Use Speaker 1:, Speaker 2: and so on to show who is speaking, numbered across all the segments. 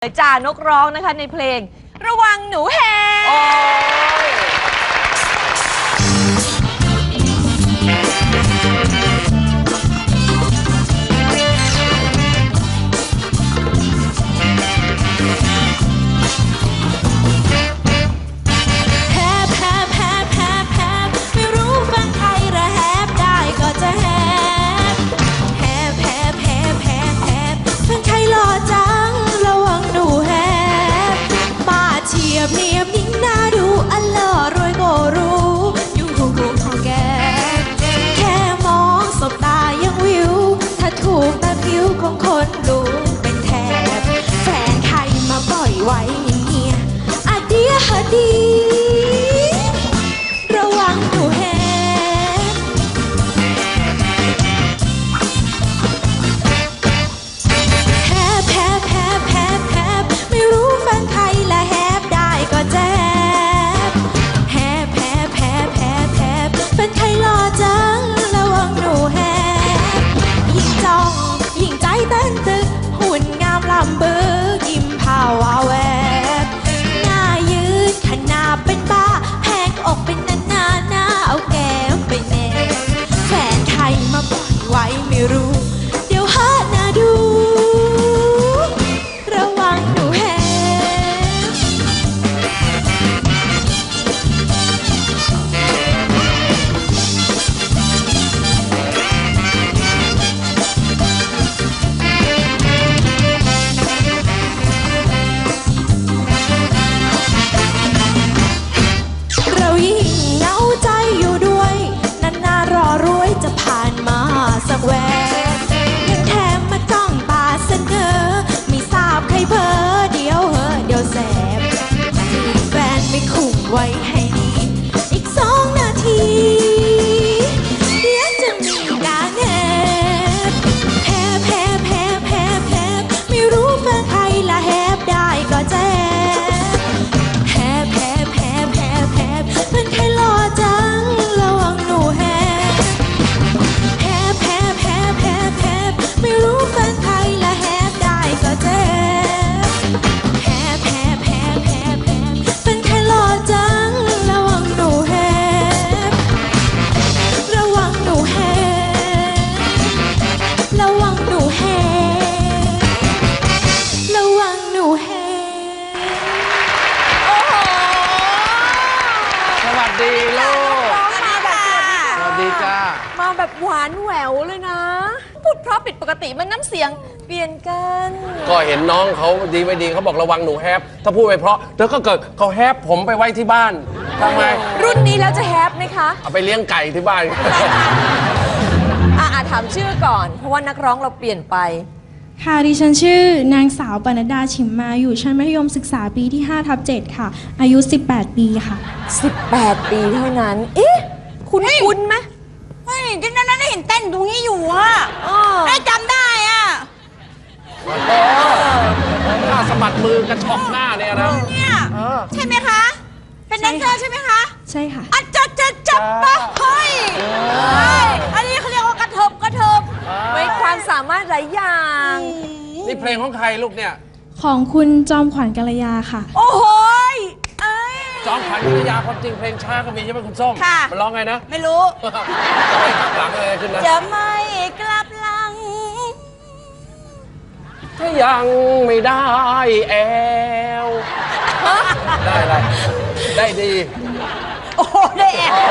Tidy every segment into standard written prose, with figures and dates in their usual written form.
Speaker 1: จ่านกร้องนะคะในเพลงระวังหนูแฮ
Speaker 2: เนียบนิ่งน่าดูอันหล่อรวยก็รู้ยุ่งหูพอแกแค่มองสบตายังวิวถ้าถูกตาคิ้วของคนดูเป็นแทบแฟนใครมาปล่อยไว้อย่างเงี้ยอะเดียฮะดีระวังหนูแฮไม่รู้แฟนใครละแฮก็แจ๊บแฮบแฮบแฮบแฮบแฮบเป็นใครหล่อจังระวังหนูแฮบยิ่งจ้องยิ่งใจเต้นตึกหุ่นงามลำบึกยิ้มพาวาแวบหน้ายืดขนาดเป็นบ้าแพงอกเป็นหน้าเอาแก้มไปแนบแฟนใครมาปล่อยไว้ไม่รู้เดี๋ยวหาหน้าดูระวังหนูแฮจะผ่านมาสักแวบยังแถมมาจ้องตาเสนอไม่ทราบใครเพ้อเดี๋ยวเดี๋ยวแสบแฟนไม่คุมไว้ให้ดีอีก2 นาทีเดี๋ยวจะมีการแฮบแฮบแฮบแฮบแฮบไม่รู้แฟนใครละแฮบได้ก็แจ๊บแฮบแฮบแฮบแฮบแฮบเป็นใครหล่อจังระวังหนูแฮไม่รู้แฟนใครละแฮบได้ก็เจ็บแฮบแฮบแฮบแฮบแฮบเป็นใครหล่อจังระวังหนูแฮบระวังหนูแฮบระวังหนูแฮบระวังหนูแฮบ
Speaker 1: โอ้โห
Speaker 3: สวัสดีลูกสวัสดีจ้า
Speaker 1: มาแบบหวานแหววเลยนะพูดเพราะผิดปกติมันน้ำเสียงเปลี่ยนกัน
Speaker 3: ก็เห็นน้องเขาดีไม่ดีเขาบอกระวังหนูแฮปถ้าพูดไปเพราะเธอก็เกิดเขาแฮปผมไปไว้ที่บ้านทำไม
Speaker 1: รุ่นนี้แล้วจะแฮปไหมคะ
Speaker 3: เอาไปเลี้ยงไก่ที่บ้าน
Speaker 1: ถามชื่อก่อนเพราะว่านักร้องเราเปลี่ยนไป
Speaker 2: ค่ะดิฉันชื่อนางสาวปนัดดาฉิมมาอยู่ชั้นมัธยมศึกษาปีที่5/7ค่ะอายุ18 ปีค่ะ
Speaker 1: 18 ปีเท่านั้นเอ๊ะคุ้นไหม
Speaker 4: เฮ้ยที่นั้นได้เห็นเต้นตรงนี้อยู่อ่ะได้จำได้อ่ะ
Speaker 3: หน้าสะบัดมือกระชอกหน้าเนี่ยนะ
Speaker 4: เนี่ยใช่ไหมคะเป็นแดนเซอร์ใช่ไหมคะ
Speaker 2: ใช่ค่ะ
Speaker 4: จับปะเฮ้ยอันนี้เขาเรียกว่ากระเทิบ
Speaker 1: ไว้ความสามารถหลายอย่าง
Speaker 3: นี่เพลงของใครลูกเนี่ย
Speaker 2: ของคุณจอมขวัญกัลยาค่ะ
Speaker 4: โอ้โห
Speaker 3: จอมขวัญกัลยาความจริงเพลงช้าก็มีใช่ไหมคุณส้มมันร้องไงนะ
Speaker 4: ไม่รู้
Speaker 3: จะไม่กลับหลังอะไรขึ้นนะ
Speaker 4: จะไม่กลับหลัง
Speaker 3: ถ้ายังไม่ได้แอลได้ดี
Speaker 4: โอ้ได้แอล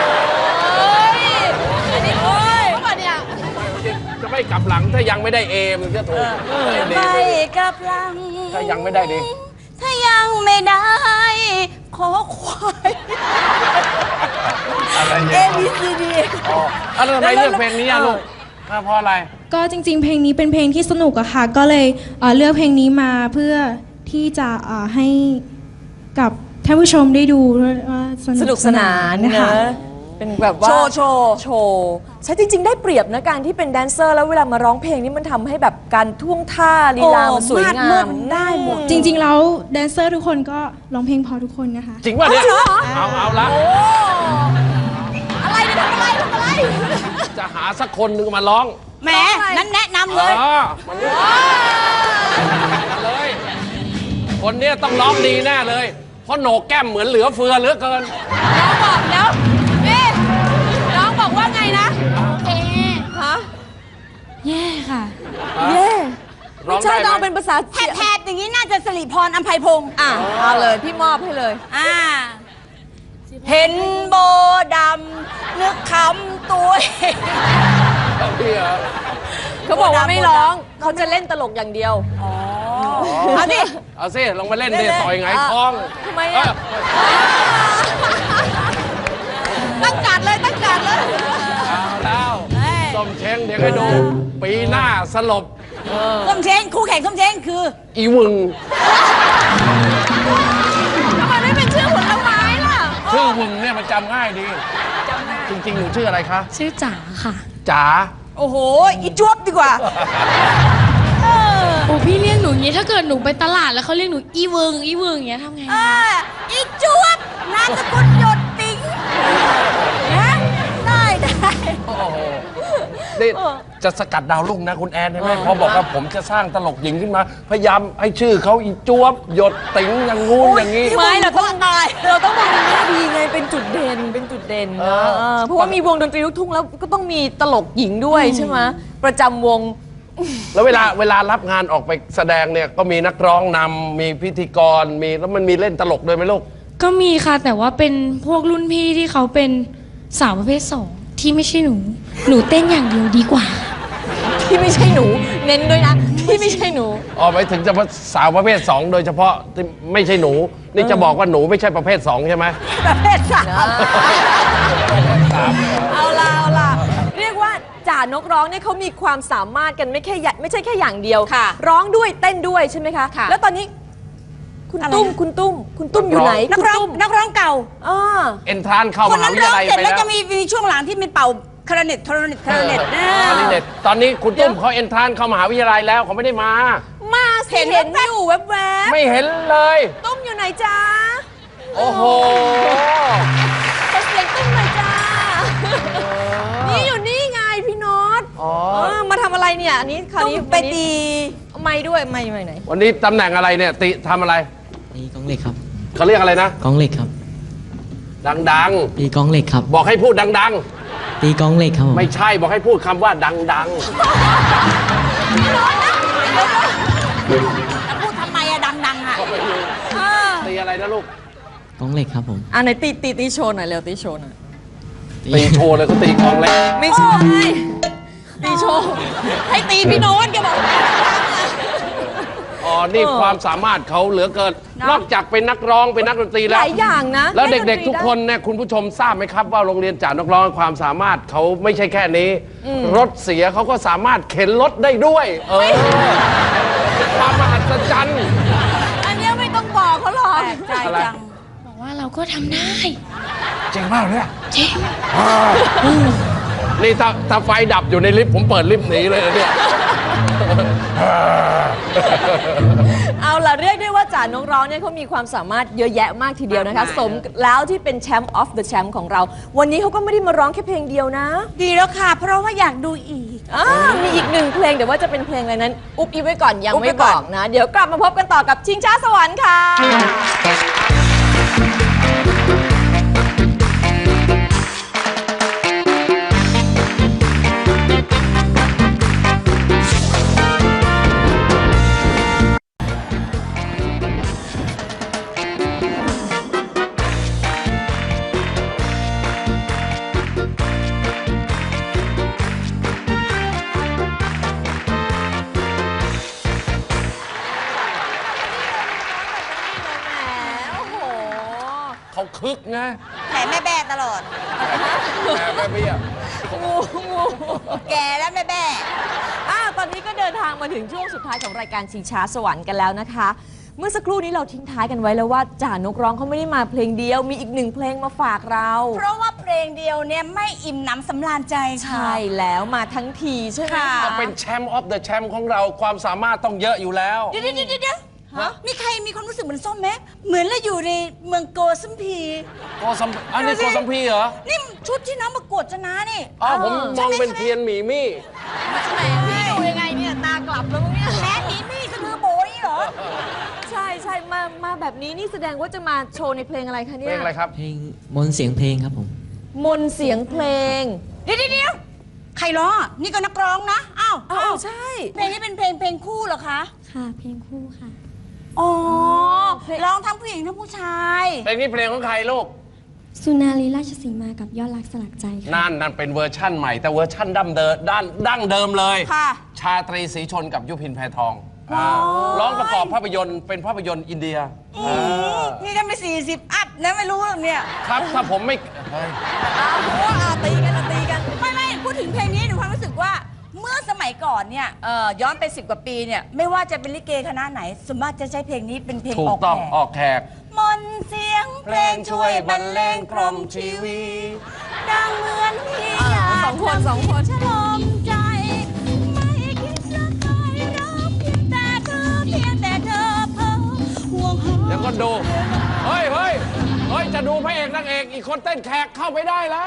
Speaker 1: อันนี้โอ้ยเมื่อวันเนี่ย
Speaker 3: จะไม่กลับหลังถ้ายังไม่ได้เอมันจะถูก
Speaker 4: ไม่กลับหลัง
Speaker 3: ถ้ายังไม่ได้ดี
Speaker 4: ถ้ายังไม่ได้ขอควายABCD
Speaker 3: แล้วทำไมเลือกเพลงนี้อะลูกเพราะอะไร
Speaker 2: ก็จริงๆเพลงนี้เป็นเพลงที่สนุกอะค่ะก็เลยเลือกเพลงนี้มาเพื่อที่จะให้กับท่านผู้ชมได้ดูว่า
Speaker 1: สนุกสนานนะคะเป็นแบบว่าโชว์ใช่จริงๆได้เปรียบนะการที่เป็นแดนเซอร์แล้วเวลามาร้องเพลงนี้มันทำให้แบบการท่วงท่าลีลามันสวยงาม
Speaker 4: ได้หมด
Speaker 2: จริงๆแล้วแดนเซอร์ทุกคนก็ร้องเพลงพอทุกคนนะคะ
Speaker 3: จริงป่ะเนี่ยเอาละ
Speaker 4: อะไรเนี่ยทำอะไร
Speaker 3: จะหาสักคนหนึ่งมาร้อง
Speaker 4: แหมนั้นแนะนำเลย
Speaker 3: มันเลยคนเนี้ยต้องร้องดีแน่เลย เพราะโหนกแก้มเหมือนเหลือเฟือเหลือเกิน
Speaker 1: น้องบอกแล้วนี่น้องบอกว่าไงนะ
Speaker 5: เอ๊ะ
Speaker 1: ฮะ
Speaker 5: แย่ค่ะ
Speaker 1: เย่
Speaker 3: ร้
Speaker 1: ไม่
Speaker 3: อง
Speaker 1: ใช่
Speaker 3: ได้
Speaker 1: น้อง
Speaker 3: ไหม
Speaker 1: เป็นภาษา
Speaker 4: แทบๆอย่างนี้น่าจะสิริพรอัมไพพงศ์
Speaker 1: อ่ะเอาเลยพี่มอบให้เลย
Speaker 4: เห็นโบดำนึกคำตัวเอง
Speaker 3: พี่เหรอ
Speaker 1: เขาบอกว่าไม่ร้องเขาจะเล่นตลกอย่างเดียว
Speaker 4: เอาดิ
Speaker 3: เอาสิลงมาเล่นดิ
Speaker 4: เล่นๆ
Speaker 3: ต่อยไงท้อง
Speaker 1: ทำไมอ่ะ
Speaker 4: ตั้งการเลยตั้งการเลย
Speaker 3: เอาแล้วส้มเช้งเดี๋ยวให้ดู ปีหน้าสลบ
Speaker 4: ส้มเช้งคู่แข่งส้มเช้งคือ
Speaker 3: อีวึง
Speaker 1: ทำไมไม่เป็นชื่อผลไม้ล่ะ
Speaker 3: ชื่อวึงเนี่ยมันจำง่ายดี จริงๆหนูชื่ออะไรคะ
Speaker 5: ชื่อจ๋าค่ะ
Speaker 3: จ๋า
Speaker 4: โอ้โห อีจวบดีกว่า
Speaker 5: โอ้พี่เรียกหนูอย่างนี้ถ้าเกิดหนูไปตลาดแล้วเขาเรียกหนูอีเวิงอย่างเงี้ยทำไง
Speaker 4: อีจวบนามสกุลหยดติ๋งนะได้
Speaker 3: โอ้โหนี่จะสกัดดาวรุ่งนะคุณแอนใช่ไหมพอบอกว่าผมจะสร้างตลกหญิงขึ้นมา พยายามให้ชื่อเขาอีจวบหยดติ๋งอย่างงู้นอย่างนี้
Speaker 1: ไม่เราต้องมองในแง่ดีไงเป็นจุดเด่นเป็นจุดเด่นนะเพราะว่ามีวงดนตรีลูกทุ่งแล้วก็ต้องมีตลกหญิงด้วยใช่ไหมประจำวง
Speaker 3: แล้วเวลารับงานออกไปแสดงเนี่ยก็มีนักร้องนำมีพิธีกรมีแล้วมันมีเล่นตลกด้วยไหมลูก
Speaker 5: ก็มีค่ะแต่ว่าเป็นพวกรุ่นพี่ที่เขาเป็นสาวประเภทสองที่ไม่ใช่หนู หนูเต้นอย่างเดียวดีกว่า
Speaker 1: ที่ไม่ใช่หนู เน้นด้วยนะ ที่ไม่ใช่หนู
Speaker 3: อ๋อไปถึงจะสาวประเภท 2 โดยเฉพาะที่ไม่ใช่หนู นี่จะบอกว่าหนูไม่ใช่ประเภท 2 ใช่ไหม
Speaker 4: ประเภทสาม
Speaker 1: เอาล่ะเรียกว่าจ่านกร้องเนี่ยเขามีความสามารถกันไม่ใช่แค่อย่างเดียว
Speaker 4: ค่ะ
Speaker 1: ร้องด้วยเต้นด้วยใช่ไหมคะ
Speaker 4: ค่ะ
Speaker 1: แล้วตอนนี้คุณ
Speaker 4: อะไร
Speaker 1: ตุ้มคุณตุ้มอยู่ไหน
Speaker 4: นัก
Speaker 1: คุณ
Speaker 4: ร้อง
Speaker 1: ตุ้ม
Speaker 4: นักร้องเก่า
Speaker 1: อ่า
Speaker 3: เอนทรานเข้า
Speaker 4: คน
Speaker 3: มหา
Speaker 4: นั้น
Speaker 3: วิท
Speaker 4: ร้อง
Speaker 3: ยาลัย
Speaker 4: เสร็จ
Speaker 3: ไป
Speaker 4: แล้ว
Speaker 3: แล้ว
Speaker 4: จะมีช่วงหลังที่มันเป่าคาราเน็ต
Speaker 3: ตอนนี้คุณตุ้มเขาเอนทรานเข้ามหาวิทยาลัยแล้วเขาไม่ได้มา
Speaker 1: มาสิเห็นอยู่แวบ
Speaker 3: ไม่เห็นเลย
Speaker 1: ๆตุ้มอยู่ไหนจ๊ะ
Speaker 3: โอ้โห
Speaker 1: ขอเสียงตุ้มหน่อยจ้านี่อยู่นี่ไงพี่น็อต
Speaker 3: อ๋อ
Speaker 1: มาทำอะไรเนี่ยอันนี้คราว
Speaker 4: ตุ้ม
Speaker 1: นี้
Speaker 4: ไปตี
Speaker 1: ไม่ด้วยไม่ไหน
Speaker 3: วันนี้ตำแหน่งอะไรเนี่ยติทำอะไร
Speaker 6: ตีกองเหล็กครับ
Speaker 3: เขาเรียกอะไรนะ
Speaker 6: กองเหล็กครับ
Speaker 3: ดัง
Speaker 6: ตีกองเหล็กครับ
Speaker 3: ๆ บอกให้พูดดัง
Speaker 6: ตีกองเหล็กครับผม
Speaker 3: ๆ ไม่ใช่บอกให้พูดคำว่าดัง
Speaker 4: แล้วพูดทำไมอะดังๆอะเออ
Speaker 3: ๆ ตีอะไรนะลูก
Speaker 6: กองเหล็กครับผม
Speaker 1: อ่ะไหนตีโชว์หน่อยเร็วตีโชว์หน่อย
Speaker 3: ตีโชว์เลยเขาตีกลองเล็ก
Speaker 1: ไม่ใช่ตีโชว์ให้ตีพี่โน้ตแกบอก
Speaker 3: อ๋อ นี่ความสามารถเขาเหลือเกิน นอกจากเป็นนักร้องเป็นนักดนตรี
Speaker 1: ห
Speaker 3: แล้ว
Speaker 1: ลายอย่างนะ
Speaker 3: แล้วเด็ก
Speaker 1: ล่
Speaker 3: ๆ ทุก
Speaker 1: ตรี
Speaker 3: คนเนี่ยคุณผู้ชมทราบไหมครับว่าโรงเรียนจ่านักร้องความสามารถเขาไม่ใช่แค่นี้ รถเสียเขาก็สามารถเข็นรถได้ด้วย เป็นความมหัศจรรย์
Speaker 1: ได้อันเนี้ยไม่ต้องบอกเขาหรอก
Speaker 4: แปลกใจจัง
Speaker 5: บอกว่าเราก็ทำได้
Speaker 3: จริงมากเลยอะ
Speaker 5: จริง
Speaker 3: นี่ถ้าไฟดับอยู่ในลิฟต์ผมเปิดลิฟต์หนีเลยนะเนี่ย
Speaker 1: เอาล่ะเรียกได้ว่าจ่านกร้องเนี่ยเขามีความสามารถเยอะแยะมากทีเดียวนะคะ
Speaker 4: มากมาย
Speaker 1: สมแล้วที่เป็นแชมป์ออฟเดอะแชมป์ของเรา วันนี้เขาก็ไม่ได้มาร้องแค่เพลงเดียวนะ
Speaker 4: ดีแล้วค่ะ เพราะว่าอยากดูอีก
Speaker 1: มีอีกหนึ่งเพลงแต่ว่าจะเป็นเพลงอะไรนั้น อุ๊บอิ๊บไว้ก่อนยัง
Speaker 4: อุ๊บไว้
Speaker 1: ไม่บ
Speaker 4: ก่อน
Speaker 1: อกนะ เดี๋ยวกลับมาพบกันต่อกับชิงช้าสวรรค์ค่ะ โอ้โห
Speaker 3: เขาคึกไง
Speaker 4: แผลแม่แบ่ตลอด
Speaker 3: แม่เบี้ย
Speaker 4: แกแล้วแม่แบ่
Speaker 1: ตอนนี้ก็เดินทางมาถึงช่วงสุดท้ายของรายการชิงช้าสวรรค์กันแล้วนะคะ เมื่อสักครู่นี้เราทิ้งท้ายกันไว้แล้วว่าจ่านกร้องเขาไม่ได้มาเพลงเดียว มีอีกหนึ่งเพลงมาฝากเรา
Speaker 4: เพราะว่าเพลงเดียวเนี่ยไม่อิ่มหนำสำราญใจค่ะ
Speaker 1: ใช่แล้วมาทั้งทีใช่ไหม
Speaker 4: ค่ะ
Speaker 1: คะ
Speaker 3: เป็นแชมป์ออฟเดอะแชมป์ของเราความสามารถต้องเยอะอยู่แล้ว
Speaker 4: เดี๋ยวมีใครมีความรู้สึกเหมือนส้มไหมเหมือนเราอยู่ในเมืองโกสัมพี
Speaker 3: อันนี้โกสัมพีเหรอ
Speaker 4: นี่ชุดที่น้องประกวดชนะนี่
Speaker 3: อ๋อผมมองเป็นเทียนหมีมี่
Speaker 1: แหมพี่ดูยังไงเนี่ยตากลับแล้วมั้งเนี่ย
Speaker 4: แม่หมีมี่สะดือโบนี่เหรอ
Speaker 1: ใช่ใช่มาแบบนี้นี่แสดงว่าจะมาโชว์ในเพลงอะไรคะเนี่
Speaker 3: เพ
Speaker 1: ย
Speaker 3: ลงอะไรครับ
Speaker 6: เพลงมนต์เสียงเพลงครับผม
Speaker 1: มนต์เสียงเพลง
Speaker 4: เดี๋ยวใครร้องอ่ะนี่ก็นักร้องนะอ้าว
Speaker 1: อ้าวใช่
Speaker 4: เพลงนี้เป็นเพลงคู่เหรอคะ
Speaker 5: ค่ะ เพลงคู่ค่ะ
Speaker 4: อ๋อร้องทั้งผู้หญิงทั้งผู้ชาย
Speaker 3: เพลงนี้เพลงของใครลูก
Speaker 5: สุนารีราชสีมากับยอดรักสลักใจค่ะ
Speaker 3: นั่นเป็นเวอร์ชั่นใหม่แต่เวอร์ชั่นดั้งเดิมเลย
Speaker 4: ค่ะ
Speaker 3: ชาตรีศรีชนกับยุพินแพทองร้องประกอบภาพยนตร์เป็นภาพยนตร์อินเดีย
Speaker 4: นี่กันไป40 อัพนะไม่รู้หรอกเนี่ย
Speaker 3: ครับถ้าผมไม่เฮ้ย
Speaker 1: ตีกัน
Speaker 4: ไม่พูดถึงเพลงนี้หนูความรู้สึกว่าเมื่อสมัยก่อนเนี่ยย้อนไป10 กว่าปีเนี่ยไม่ว่าจะเป็นลิเกคณะไหนส่วนมากจะใช้เพลงนี้เป็นเพลง
Speaker 3: ถู
Speaker 4: อก อก
Speaker 3: ต้อง
Speaker 4: แขก
Speaker 3: ออกแขก
Speaker 4: มนต์เสียงเพลงช่วยบรรเลงกล่อมชีวิตดังเหมือนที่อยาก
Speaker 1: สองคน
Speaker 4: ฉลมใจ ไม่คิดจะใครรักเพียงแต่เธอเพ้อห่วงหา
Speaker 3: เดี๋ยวก็ดู เฮ้ย จะดูพระเอกนางเอกอีกคนเต้นแขกเข้าไปได้แล้ว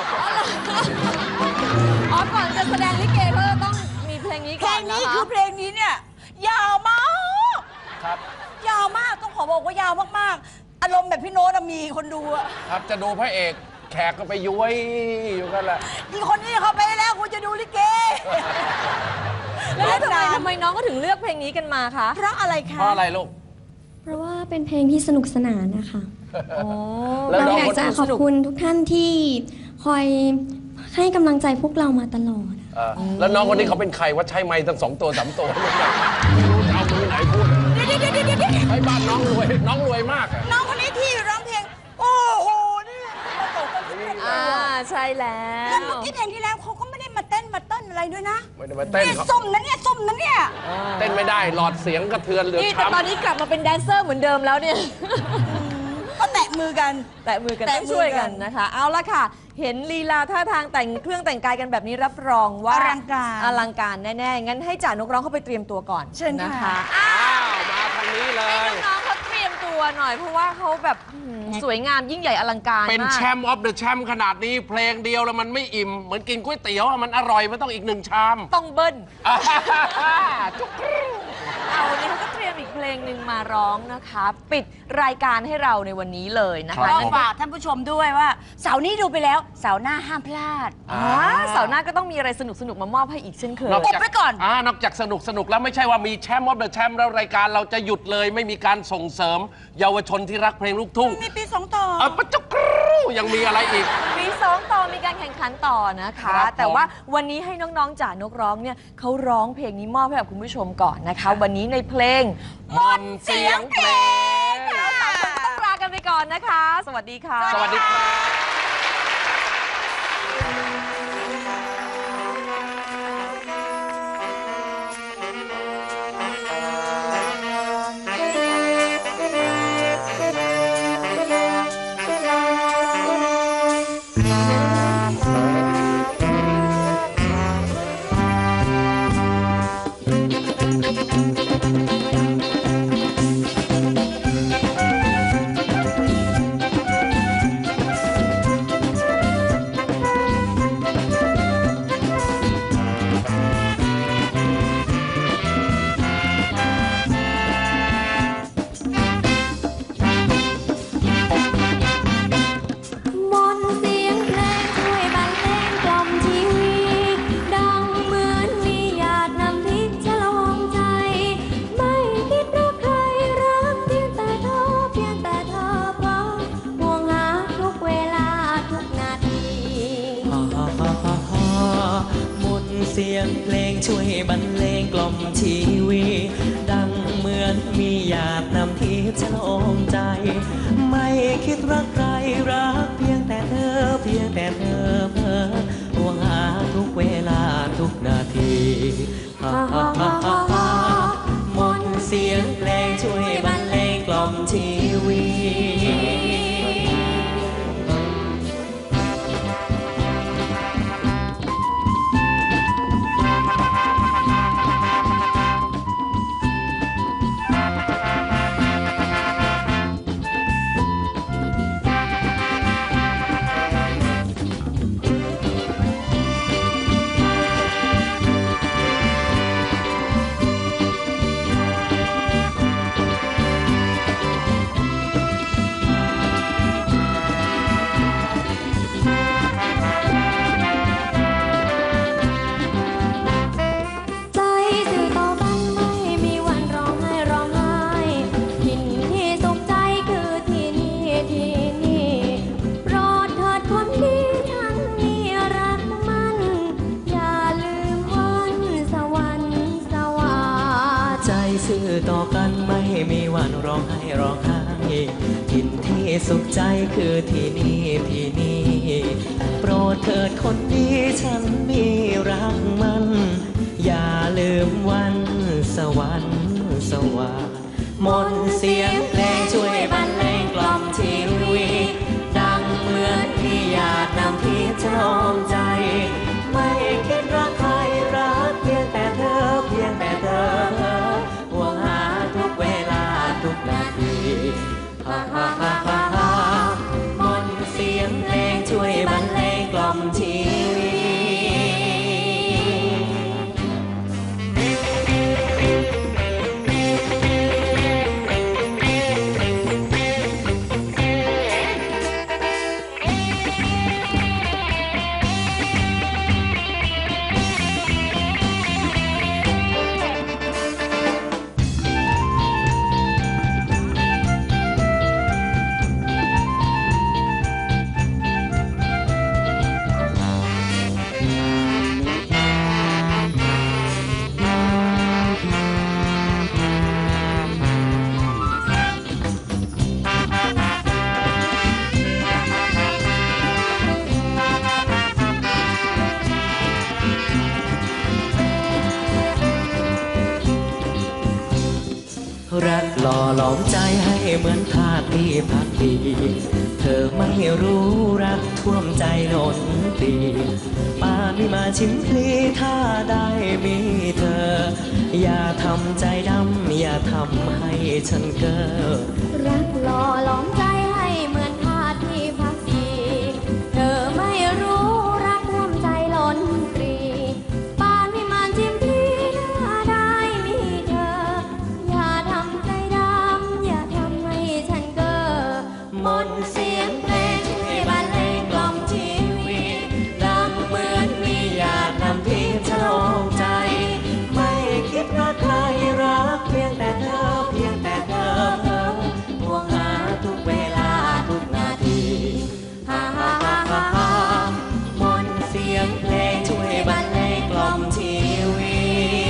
Speaker 1: อ๋อก่อนจะแสดงลิเกเขาจะต้องมีเพลงนี้
Speaker 4: เพล
Speaker 1: ก่อน
Speaker 4: ง
Speaker 1: นะ
Speaker 4: นี้
Speaker 1: คะ
Speaker 4: คือเพลงนี้เนี่ยยาวมาก
Speaker 3: ครับ
Speaker 4: ยาวมากต้องขอบอกว่ายาวมากๆ อารมณ์แบบพี่โน้ตอะมีคนดูอะ
Speaker 3: ครับจะดูพระเอกแขกก็ไปย้วยอยู่กันแหละ
Speaker 4: อีคนนี้เขาไปแล้วคุณจะดูลิเก
Speaker 1: แล้วทำไมน้องก็ถึงเลือกเพลงนี้กันมาคะ
Speaker 4: เพราะอะไรคะ
Speaker 3: เพราะอะไรลูก
Speaker 5: เพราะว่าเป็นเพลงที่สนุกสนานนะคะ
Speaker 3: แล้ว
Speaker 5: เรา
Speaker 3: น้อง
Speaker 5: อยาก
Speaker 3: คน
Speaker 5: จะขอบคุณทุกท่านที่คอยให้กำลังใจพวกเรามาตลอด
Speaker 3: แล้วน้องคนนี้เขาเป็นใครว่าใช้ไม้ตั้ง2 ตัว 3 ตัวไม่รู้จะเอามือไหนพูด
Speaker 4: เดี๋ยว
Speaker 3: ให้บ้านน้องรวยมากอะ
Speaker 4: น้องคนนี้ที่ร้องเพลง โอ้โหนี่ประสบความสำเร็จเลย
Speaker 1: ใช่แล้
Speaker 4: แล้ว
Speaker 1: ว
Speaker 4: เมื่อกี้เพลงที่แล้วเขาก็ไม่ได้มาเต้นมาเต้นอะไรด้วยนะ
Speaker 3: ไม่ได้มาเต้น
Speaker 4: นี่
Speaker 3: เขา
Speaker 4: ส้มนะเนี่ยส้มนะเนี่ย
Speaker 3: เต้นไม่ได้หลอดเสียงกระเทือนเหลือ
Speaker 1: นี่แต่ตอน
Speaker 3: ช้ำ
Speaker 1: นี้กลับมาเป็นแดนเซอร์เหมือนเดิมแล้วเนี่ย
Speaker 4: ก็แตะมือกัน
Speaker 1: แตะมือกัน
Speaker 4: แตะ
Speaker 1: ต้อง
Speaker 4: มือกัน
Speaker 1: ช่วยกันนะคะ เอาละค่ะ เห็นลีลาท่าทางแต่งเครื่องแต่งกายกันแบบนี้รับรองว่า
Speaker 4: อลังการ
Speaker 1: อลังการแน่ๆ งั้นให้จ่านกร้องเข้าไปเตรียมตัวก่อน
Speaker 4: เชิญ
Speaker 1: นะ
Speaker 4: ค่ะ
Speaker 1: คะ
Speaker 3: อ้าวมาทางนี้เลย
Speaker 1: น้องๆเขาเตรียมตัวหน่อยเพราะว่าเขาแบบสวยงามยิ่งใหญ่อลังการ
Speaker 3: เป็น
Speaker 1: มาก
Speaker 3: แชมป์ออฟเดอะแชมป์ขนาดนี้เพลงเดียวแล้วมันไม่อิ่ม เหมือนกินก๋วยเตี๋ยวอะมันอร่อยมันต้องอีก1 ชาม
Speaker 1: ต้องเบิ้ล
Speaker 3: จุกกรู
Speaker 1: เอาวันนี้เขาก็เตรียมอีกเพลงหนึ่งมาร้องนะคะ ปิดรายการให้เราในวันนี้เลยนะ
Speaker 3: ครั
Speaker 1: คะ
Speaker 3: บ
Speaker 4: ก็ฝากท่านผู้ชมด้วยว่าเสาร์นี้ดูไปแล้วเสาร์หน้าห้ามพลาด
Speaker 1: เสาร์หน้าก็ต้องมีอะไรสนุกๆมามอบให้อีกเช่นเคย
Speaker 4: อุบไว้ก่อน
Speaker 3: นอกจากสนุกแล้วไม่ใช่ว่ามีแชมป์ออฟเดอะแชมป์แล้วรายการเราจะหยุดเลยไม่มีการส่งเสริม เยาวชนที่รักเพลงลูกทุ่ง
Speaker 4: มีปี2ต่อ
Speaker 3: ปะจุกกรูยังมีอะไรอีก
Speaker 1: มี2ต่อมีการแข่งขันต่อนะคะ
Speaker 3: ครับผม
Speaker 1: แต่ว่าวันนี้ให้น้องๆจ่านกร้องเนี่ยเขาร้องเพลงนี้มอบให้กับคุณผู้ชมก่อนนะคะ วันนี้ในเพลง
Speaker 3: มนต์เสียงเพลง
Speaker 1: เราสามคนต้องลากันไปก่อนนะคะ สวัสดีค่ะ
Speaker 3: สวัสดีครับ
Speaker 5: มนต์เสียงเพลงช่วยบรรเลงกล่อมชีวิตดังเหมือนมีหยาดน้ำทิพย์ฉลองใจ ไม่คิดรักใครรักเพียงแต่เธอเพราะห่วงหาทุกเวลาทุกนาที
Speaker 6: มนต์เสียงเพลงช่วยบรรเลงกล่อมชีวิตดังเหมือนมีหยาดน้ำทิพย์ฉลองใจ ไม่คิดรักใครรักเพียงแต่เธอเพ้อห่วงหาทุกเวลาทุกนาทีมนต์เสียงเพลงช่วยบรรเลงกล่อมชีวิตวันร้องไห้ร้องไห้ถิ่นที่สุขใจคือที่นี่ที่นี่โปรดเถิดคนดีฉันมีรักมันอย่าลืมวันสวรรค์สว่างมนต์เสียงเพลงช่วยบรรเลงกล่อมชีวิตดังเหมือนที่อยากนำพิชลองใจไม่คิดรักใครรักเพียงแต่เธอเพียงแต่เธอห่วงหาทุกเวลาทุกนาทีฮ่าฮ่าฮ่าฮ่าฮ่ามนต์เสียงเพลงช่วยบรรเลงกล่อมชีวิต รักหล่อหลอมใจให้เหมือนทาสที่พักดีเธอไม่รู้รักท่วมใจล้นตีป่านนี้มาชิมพลีถ้าได้มีเธออย่าทำใจดำอย่าทำให้ฉันเก้อ
Speaker 5: รักหล่อหลอมใจให้เหมือนทาสที่พักดีเธอไม่รู้รักท่วมใจล้นตรีป่านวิมานชิมพลีถ้าได้มีเธออย่าทำใจดำอย่าทำให้ฉันเก้อมนต์เสียงเพลงให้บรรเลงกล่อมชีวิตดังเหมือนมีหยาดน้ำทิพย์ฉลองใจ
Speaker 6: ไม่คิดรักใครรักเพียงแต่เธอเพียงแต่เธอห่วงหาทุกเวลาทุกนาทีฮ่าฮ่าฮ่าฮ่าฮ่ามนต์เสียงเพลงช่วยบรรเลงกล่อมชีวิต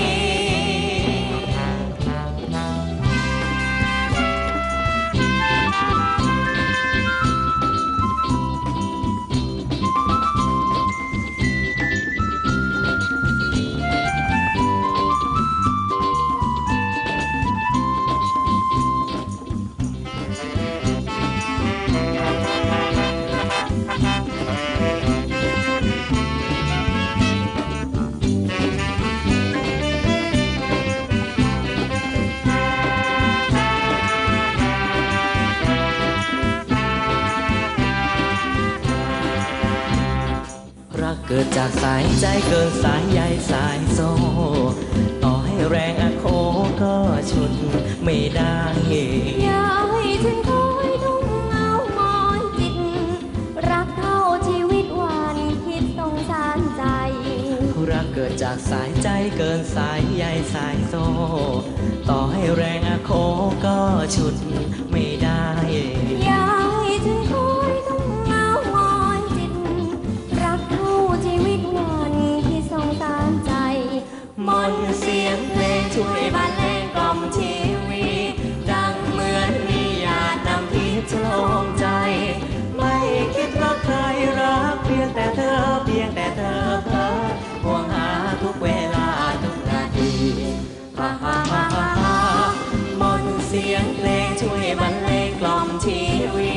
Speaker 6: รักเกิดจากสายใจเกินสายใยสายโซ่ต่อให้แรงอาโคก็ฉุดไม่ได้
Speaker 5: อย่าให้ฉันคอยทุ่งเงามอนจิตรักเท่าชีวิตวันคิดสงสารใจ
Speaker 6: รักเกิดจากสายใจเกินสายใยสายโซ่ต่อให้แรงอาโคก็ฉุดไม่ได้
Speaker 5: อย่าให้ฉันคอยทุ่งเงามอนจิตรักเท่าชีวิตวันคิดสงสารใจ
Speaker 6: มนต์เสียงเพลงช่วยบรรเลงกล่อมชีวิตดังเหมือนมีหยาดน้ำทิพย์ฉลองใจไม่คิดรักใครรักเพียงแต่เธอเพียงแต่เธอห่วงหาทุกเวลาทุกนาทีฮ่าฮ่าฮ่าฮ่าฮ่ามนต์เสียงเพลงช่วยบรรเลงกล่อมชีวิ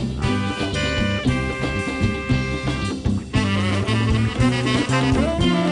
Speaker 6: ต